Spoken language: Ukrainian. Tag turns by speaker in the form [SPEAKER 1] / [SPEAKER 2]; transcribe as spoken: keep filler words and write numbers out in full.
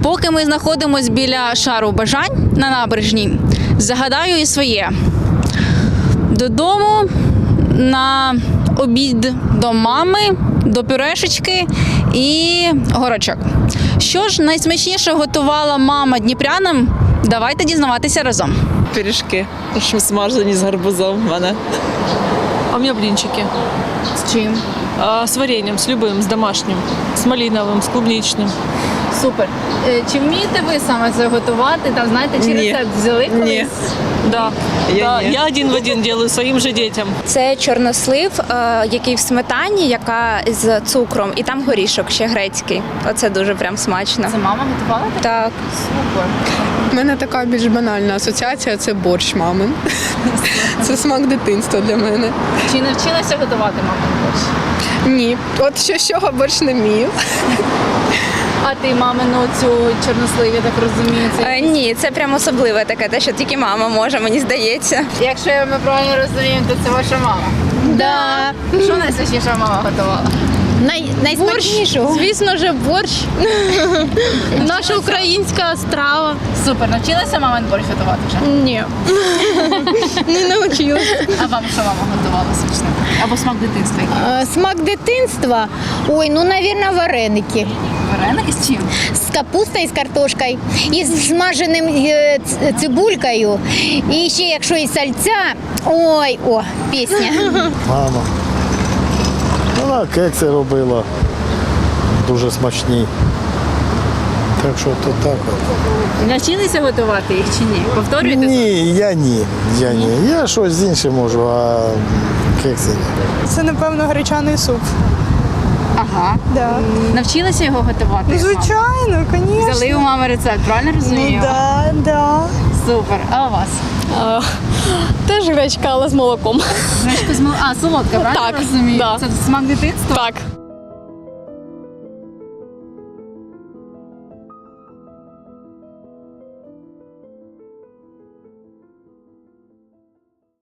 [SPEAKER 1] Поки ми знаходимося біля шару бажань на набережній, загадаю і своє. Додому, на обід до мами, до пюрешечки і горочок. Що ж найсмачніше готувала мама дніпрянам? Давайте дізнаватися разом.
[SPEAKER 2] Пиріжки, що смажені з гарбузом в мене.
[SPEAKER 3] А у меня блинчики.
[SPEAKER 1] З чим?
[SPEAKER 3] А, с вареньем, с любым, с домашним, с малиновым, с клубничным.
[SPEAKER 1] Супер. Чи вмієте ви саме це готувати? Там, знаєте, чи
[SPEAKER 2] Ні.
[SPEAKER 1] рецепт взяли колись?
[SPEAKER 3] Ні. Да.
[SPEAKER 2] Я
[SPEAKER 3] да,
[SPEAKER 2] ні.
[SPEAKER 3] я один в один делаю своим же детям.
[SPEAKER 4] Це чорнослив, е, який в сметані, яка з цукром, і там горішок ще грецький. Оце дуже прям смачно.
[SPEAKER 1] Це мама готувала?
[SPEAKER 4] Так.
[SPEAKER 1] Супер.
[SPEAKER 5] У мене така більш банальна асоціація – це борщ мамин. Це смак дитинства для мене.
[SPEAKER 1] Чи навчилася готувати мама борщ?
[SPEAKER 5] Ні, от що з чого борщ не вмію.
[SPEAKER 1] А ти мамину цю чорносливі, так розумію, це
[SPEAKER 4] Е, ні, це прям особливе таке, те, що тільки мама може, мені здається.
[SPEAKER 1] якщо ми правильно розуміємо, то це ваша мама.
[SPEAKER 4] Да.
[SPEAKER 1] Що найсмачніша мама готувала?
[SPEAKER 6] Най, найсмачнішого. Звісно ж, борщ. Наша українська страва.
[SPEAKER 1] Супер, навчилася мамин борщ готувати вже?
[SPEAKER 6] Ні. Не навчилась.
[SPEAKER 1] А вам що мама готувала смачно? Або смак дитинства який?
[SPEAKER 6] Е, Смак дитинства. Ой, ну, мабуть, вареники.
[SPEAKER 1] Вареники з чим?
[SPEAKER 6] З капустою, з картошкою, і з смаженим е, ц- цибулькою. І ще, якщо і сальця, ой, о, пісня.
[SPEAKER 7] Мама. Вона кекси робила дуже смачні. Так що то так. от.
[SPEAKER 1] Навчилися готувати їх чи ні? Повторюєте?
[SPEAKER 7] Ні, я ні. Я ні. Я щось з іншим можу, а кекси ні.
[SPEAKER 8] Це, напевно, гречаний суп.
[SPEAKER 1] Ага.
[SPEAKER 8] Да.
[SPEAKER 1] Навчилися його готувати?
[SPEAKER 8] Ну,
[SPEAKER 1] з мамою?
[SPEAKER 8] звичайно, звісно.
[SPEAKER 1] Взяли у мами рецепт, правильно розумію?
[SPEAKER 8] Ну, да, да.
[SPEAKER 1] Супер. А у вас?
[SPEAKER 6] Теж гречка, але з молоком.
[SPEAKER 1] Гречка з мол- А, солодка, правильно
[SPEAKER 6] Так,
[SPEAKER 1] розумію?
[SPEAKER 6] да.
[SPEAKER 1] Це смак дитинства?
[SPEAKER 6] Так.